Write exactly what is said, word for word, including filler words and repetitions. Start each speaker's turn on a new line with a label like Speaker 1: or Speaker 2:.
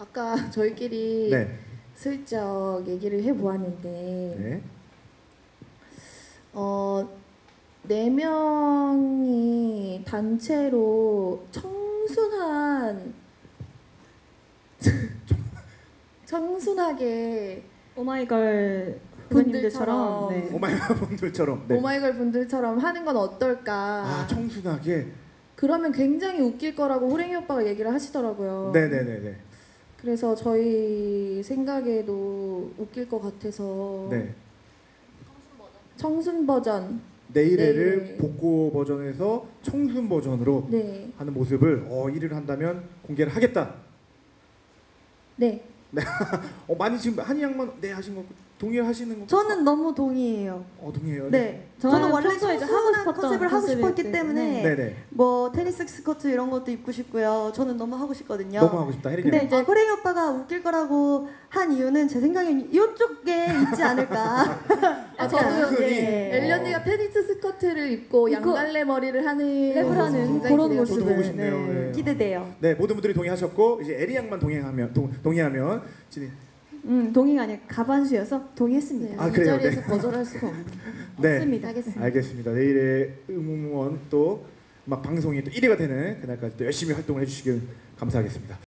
Speaker 1: 아까 저희끼리
Speaker 2: 네.
Speaker 1: 슬쩍 얘기를 해보았는데
Speaker 2: 네.
Speaker 1: 어, 네 명이 단체로 청순한 청순하게
Speaker 3: 오마이걸
Speaker 1: 분들처럼
Speaker 3: 분들처럼 네.
Speaker 2: 오마이걸 분들처럼 네.
Speaker 1: 오마이걸 분들처럼 하는 건 어떨까?
Speaker 2: 아, 청순하게.
Speaker 1: 그러면 굉장히 웃길 거라고 호랭이 오빠가 얘기를 하시더라고요.
Speaker 2: 네네네네.
Speaker 1: 그래서 저희 생각에도 웃길 것 같아서
Speaker 2: 네.
Speaker 1: 청순 버전.
Speaker 2: 내일애를
Speaker 1: 네.
Speaker 2: 복고 버전에서 청순 버전으로
Speaker 1: 네.
Speaker 2: 하는 모습을 어, 일 위를 한다면 공개를 하겠다.
Speaker 1: 네.
Speaker 2: 어, 많이 지금 한이 양만 네 하신 거 동의하시는 거?
Speaker 4: 저는 너무 동의해요.
Speaker 2: 어, 동의해요.
Speaker 4: 네.
Speaker 3: 저는
Speaker 4: 저는 원래
Speaker 3: 평소에 이제 하고
Speaker 4: 청순한
Speaker 3: 싶었던
Speaker 4: 컨셉을 하고 싶었기
Speaker 3: 컨셉이기
Speaker 4: 때문에
Speaker 2: 네네.
Speaker 4: 뭐 테니스 스커트 이런 것도 입고 싶고요. 저는 너무 하고 싶거든요.
Speaker 2: 너무 하고 싶다. 혜린이.
Speaker 4: 근데 이제 호랭이 오빠가 웃길 거라고 한 이유는 제 생각엔 이쪽에 있지 않을까.
Speaker 1: 아, 저도
Speaker 4: 예.
Speaker 1: 엘리 언니가 테니스 스커트를 입고 양갈래 머리를 하는
Speaker 3: 랩을 하는
Speaker 1: 굉장히
Speaker 3: 그런
Speaker 1: 기대가
Speaker 3: 모습을.
Speaker 2: 저도 보고 싶네요.
Speaker 3: 네.
Speaker 2: 네.
Speaker 4: 기대돼요.
Speaker 2: 네, 모든 분들이 동의하셨고 이제 에리 양만 동의하면 동, 동의하면 진이.
Speaker 3: 음, 동의가 아니라 가반수여서 동의했습니다.
Speaker 1: 네,
Speaker 2: 아,
Speaker 1: 이
Speaker 2: 그래요?
Speaker 1: 자리에서
Speaker 2: 네.
Speaker 1: 거절할 수가 없는.
Speaker 2: 네.
Speaker 3: 없습니다.
Speaker 1: 알겠습니다.
Speaker 2: 알겠습니다. 내일의 응원 또 막 방송이 또 일 위가 되는 그날까지 또 열심히 활동을 해주시길 감사하겠습니다.